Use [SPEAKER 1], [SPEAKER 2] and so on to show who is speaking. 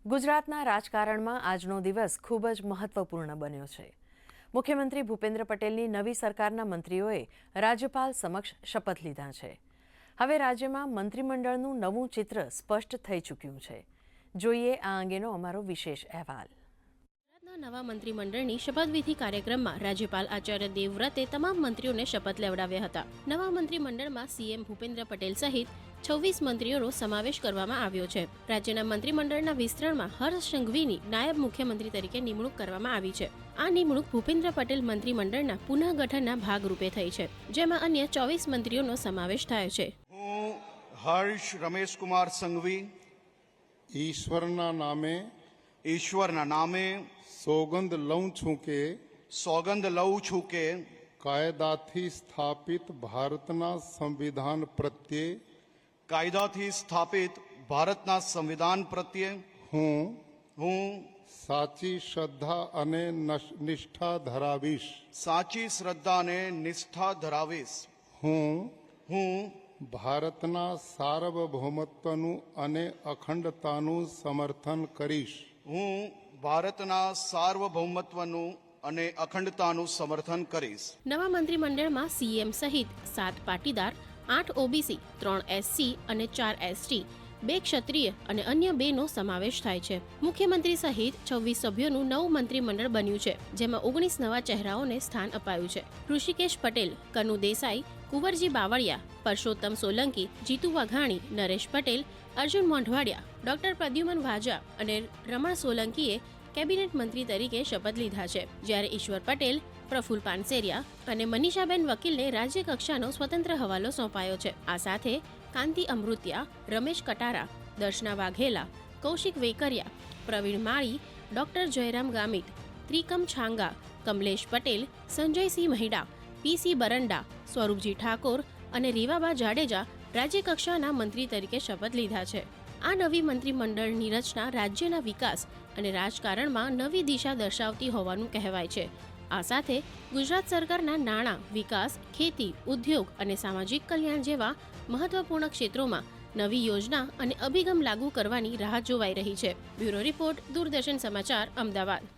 [SPEAKER 1] ગુજરાતના રાજકારણમાં આજનો દિવસ ખૂબ જ મહત્વપૂર્ણ બન્યો છે। મુખ્યમંત્રી ભૂપેન્દ્ર પટેલની નવી સરકારના મંત્રીઓએ રાજ્યપાલ સમક્ષ શપથ લીધા છે। હવે રાજ્યમાં મંત્રીમંડળનું નવું ચિત્ર સ્પષ્ટ થઈ ચૂક્યું છે। જોઈએ આ અંગેનો અમારો વિશેષ અહેવાલ।
[SPEAKER 2] નવા મંત્રીમંડળની શપથવિધિ કાર્યક્રમમાં રાજ્યપાલ આચાર્ય દેવવ્રતે તમામ મંત્રીઓને શપથ લેવડાવ્યા હતા। નવા મંત્રીમંડળમાં સીએમ ભૂપેન્દ્ર પટેલ સહિત 26 મંત્રીઓનો સમાવેશ કરવામાં આવ્યો છે। રાજ્યના મંત્રીમંડળના વિસ્તરણમાં હર્ષ સંઘવીની નાયબ મુખ્યમંત્રી તરીકે નિમણૂક કરવામાં આવી છે। આ નિમણૂક ભૂપેન્દ્ર પટેલ મંત્રીમંડળના પુનઃગઠનના ભાગરૂપે થઈ છે, જેમાં અન્ય 24 મંત્રીઓનો સમાવેશ થયો છે।
[SPEAKER 3] હું હર્ષ રમેશ કુમાર સંઘવી
[SPEAKER 4] ઈશ્વરના નામે સોગંદ લઉં છું કે કાયદાથી સ્થાપિત ભારતના સંવિધાન પ્રત્યે હું સાચી શ્રદ્ધા અને નિષ્ઠા ધરાવીશ। હું ભારતના સાર્વભૌમત્વનું અને અખંડતાનું સમર્થન કરીશ।
[SPEAKER 2] નવા મંત્રીમંડળમાં સીએમ સહિત 7 પાટીદાર, 8 ઓબીસી, 3 એસસી અને 4 એસટી, 2 ક્ષત્રિય અને અન્ય 2નો સમાવેશ થાય છે। મુખ્યમંત્રી સહિત 26 સભ્યોનું નવું મંત્રીમંડળ બન્યું છે, જેમાં 19 નવા ચહેરાઓને સ્થાન અપાયું છે। ઋષિકેશ પટેલ, કનુ દેસાઈ, કુંવરજી બાવળિયા, પરસોત્તમ સોલંકી, જીતુ વાઘાણી, નરેશ પટેલ, અર્જુન મોઢવાડિયા, ડોક્ટર પ્રદ્યુમન વાજા અને રમણ સોલંકીએ કેબિનેટ મંત્રી તરીકે શપથ લીધા છે, જ્યારે ઈશ્વર પટેલ, પ્રફુલ પાનસેરિયા અને મનીષાબેન વકીલને રાજ્ય કક્ષાનો સ્વતંત્ર હવાલો સોંપાયો છે। આ સાથે કાંતિ અમૃતિયા, રમેશ કટારા, દર્શના વાઘેલા, કૌશિક વેકરિયા, પ્રવીણ માળી, ડોક્ટર જયરામ ગામિત, ત્રિકમ છાંગા, કમલેશ પટેલ, સંજયસિંહ મહિડા, પીસી બરંડા, સ્વરૂપજી ઠાકોર અને રીવાબા જાડેજા રાજ્ય કક્ષાના મંત્રી તરીકે શપથ લીધા છે। આ નવી મંત્રીમંડળની રચના રાજ્યના વિકાસ અને રાજકારણમાં નવી દિશા દર્શાવતી હોવાનું કહેવાય છે। આ સાથે ગુજરાત સરકારના નાણાં, વિકાસ, ખેતી, ઉદ્યોગ અને સામાજિક કલ્યાણ જેવા મહત્વપૂર્ણ ક્ષેત્રોમાં નવી યોજના અને અભિગમ લાગુ કરવાની રાહ જોવાઈ રહી છે। બ્યુરો રિપોર્ટ, દૂરદર્શન સમાચાર, અમદાવાદ।